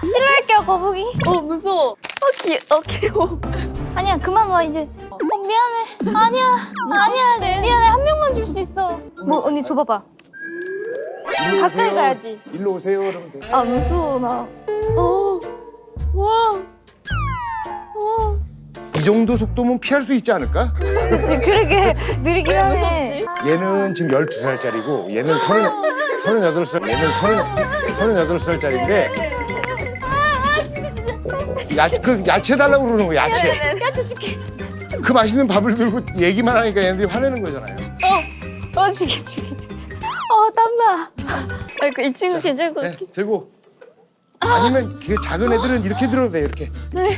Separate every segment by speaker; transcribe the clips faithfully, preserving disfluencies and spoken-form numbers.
Speaker 1: 실례할게요, 거북이.
Speaker 2: 어 무서워. 어 귀, 어 귀여워.
Speaker 1: 아니야, 그만 와 이제. 어 미안해. 아니야, 아니야, 미안해. 한 명만 줄 수 있어. 뭐 언니 줘봐봐.
Speaker 3: 일로
Speaker 1: 가까이
Speaker 3: 오세요.
Speaker 1: 가야지.
Speaker 3: 일로 오세요. 그러면 돼.
Speaker 2: 아 무서워 나. 어. 와. 와.
Speaker 3: 이 정도 속도면 피할 수 있지 않을까?
Speaker 1: 그치, 그러게 느리긴 하네.
Speaker 3: 얘는 지금 열두 살짜리고 얘는 서른 서른여덟 살. 얘는 서른 서른여덟 살짜리인데 야, 그 야채 달라고 그러는 거야. 야채.
Speaker 1: 야채 줄게.
Speaker 3: 그 맛있는 밥을 들고 얘기만 하니까 얘네들이 화내는 거잖아요.
Speaker 1: 어, 어 줄게 줄게. 어 땀나.
Speaker 2: 아이고 이 친구 괜찮을 것
Speaker 3: 네,
Speaker 2: 같아.
Speaker 3: 들고. 아니면 그 작은 애들은 이렇게 들어도 돼. 이렇게.
Speaker 2: 네.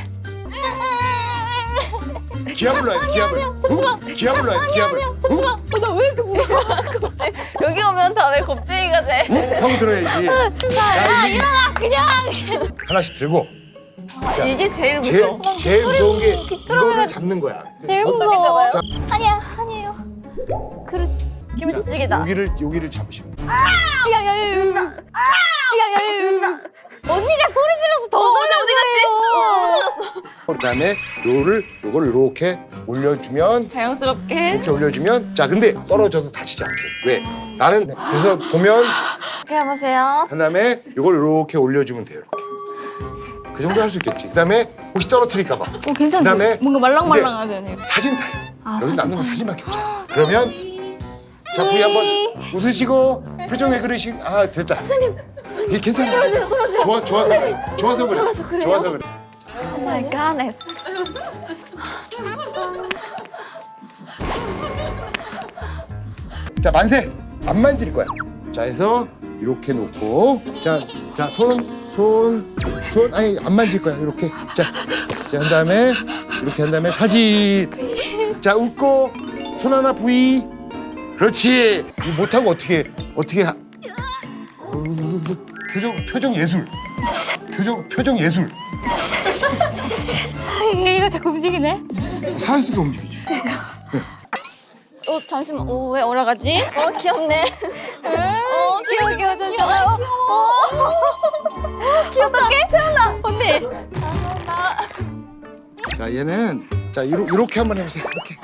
Speaker 3: 기아 불러야 돼. 기아 불러.
Speaker 1: 잠시만.
Speaker 3: 기아 불러야 돼. 기아 불러.
Speaker 1: 잠시만. 어, 나 왜 이렇게 무서워?
Speaker 2: 여기 오면 다 왜 겁쟁이가 돼?
Speaker 3: 형 들어야지.
Speaker 1: 자, 야, 일어나 그냥.
Speaker 3: 하나씩 들고.
Speaker 2: 이게 제일
Speaker 3: 제일
Speaker 2: 무서워.
Speaker 3: 제일 무서운 게
Speaker 1: 귀뚜라미가
Speaker 3: 이거를 잡는 거야.
Speaker 1: 제일
Speaker 2: 어떻게
Speaker 1: 무서워.
Speaker 2: 잡아요?
Speaker 3: 자.
Speaker 1: 아니야, 아니에요. 그렇.
Speaker 2: 김치찌개다.
Speaker 3: 여기를 여기를 잡으시면 돼.
Speaker 1: 야야야야. 야야야. 언니가 소리 질러서 더
Speaker 2: 어, 언니
Speaker 1: 놀란
Speaker 2: 어디 갔지?
Speaker 1: 거예요.
Speaker 3: 그다음에 요를 요걸 이렇게 올려주면
Speaker 2: 자연스럽게.
Speaker 3: 이렇게 올려주면 자 근데 떨어져도 다치지 않게 왜 나는 그래서 보면
Speaker 2: 이렇게 해보세요.
Speaker 3: 그다음에 요걸 이렇게 올려주면 돼요 이렇게 그 정도 할 수 있겠지 그다음에 혹시 떨어뜨릴까 봐
Speaker 1: 어 괜찮지?
Speaker 3: 그다음에
Speaker 1: 뭔가 말랑말랑하지 않아요?
Speaker 3: 사진 타요
Speaker 1: 아,
Speaker 3: 여기
Speaker 1: 사진
Speaker 3: 남는 건 사진밖에 없잖아 그러면 자 부위 한번 웃으시고 표정 왜 그러시 아 됐다 선생님 이게 괜찮아
Speaker 2: 떨어져요, 떨어져요.
Speaker 3: 좋아 좋아서 그래 좋아서 그래
Speaker 2: 좋아서 그래요?
Speaker 3: 좋아서 그래
Speaker 2: 오 마이 갓.
Speaker 3: 자 만세 안 만질 거야 자 해서 이렇게 놓고 자자손손손 아니 안 만질 거야 이렇게 자자한 다음에 이렇게 한 다음에 사진 자 웃고 손 하나 부위 그렇지 이거 못하고 어떻게 어떻게 하... 어, 표정 표정 예술 표정 표정 예술
Speaker 1: 얘가 자꾸 움직이네.
Speaker 3: 살아있으니까 움직이지
Speaker 2: 어 잠시만. 어 왜 올라가지? 어 귀엽네. 어
Speaker 1: 귀여워, 귀여워, 귀여워. 귀엽다. 어떡해? 태어나. 언니.
Speaker 3: 자 얘는 자 이렇게, 이렇게 한번 해보세요 이렇게